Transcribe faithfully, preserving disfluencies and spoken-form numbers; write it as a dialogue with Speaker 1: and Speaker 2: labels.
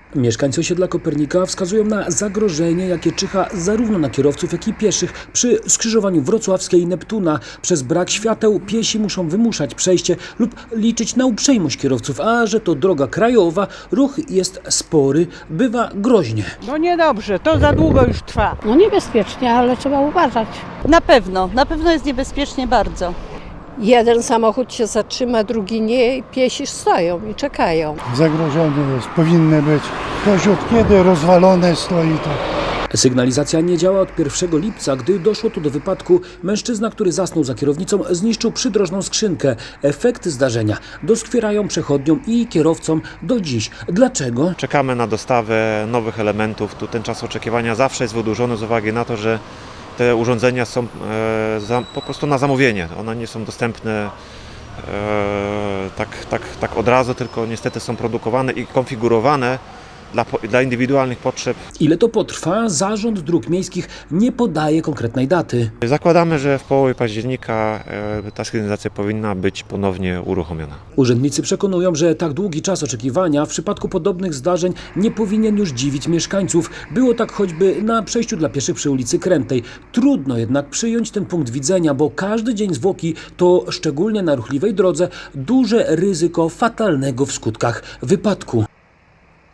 Speaker 1: Mieszkańcy osiedla Kopernika wskazują na zagrożenie, jakie czyha zarówno na kierowców, jak i pieszych przy skrzyżowaniu Wrocławskiej i Neptuna. Przez brak świateł piesi muszą wymuszać przejście lub liczyć na uprzejmość kierowców, a że to droga krajowa, ruch jest spory, bywa groźnie.
Speaker 2: No niedobrze, to za długo już trwa.
Speaker 3: No niebezpiecznie, ale trzeba uważać.
Speaker 4: Na pewno, na pewno jest niebezpiecznie bardzo.
Speaker 3: Jeden samochód się zatrzyma, drugi nie i piesi stoją i czekają.
Speaker 5: Zagrożone jest, powinny być. Ktoś od kiedy rozwalone stoi to.
Speaker 1: Sygnalizacja nie działa od pierwszego lipca, gdy doszło tu do wypadku. Mężczyzna, który zasnął za kierownicą, zniszczył przydrożną skrzynkę. Efekty zdarzenia doskwierają przechodniom i kierowcom do dziś. Dlaczego?
Speaker 6: Czekamy na dostawę nowych elementów. Tu ten czas oczekiwania zawsze jest wydłużony z uwagi na to, że te urządzenia są e, za, po prostu na zamówienie. One nie są dostępne e, tak, tak, tak od razu, tylko niestety są produkowane i konfigurowane Dla, dla indywidualnych potrzeb.
Speaker 1: Ile to potrwa? Zarząd Dróg Miejskich nie podaje konkretnej daty.
Speaker 6: Zakładamy, że w połowie października e, ta sygnalizacja powinna być ponownie uruchomiona.
Speaker 1: Urzędnicy przekonują, że tak długi czas oczekiwania w przypadku podobnych zdarzeń nie powinien już dziwić mieszkańców. Było tak choćby na przejściu dla pieszych przy ulicy Krętej. Trudno jednak przyjąć ten punkt widzenia, bo każdy dzień zwłoki to, szczególnie na ruchliwej drodze, duże ryzyko fatalnego w skutkach wypadku.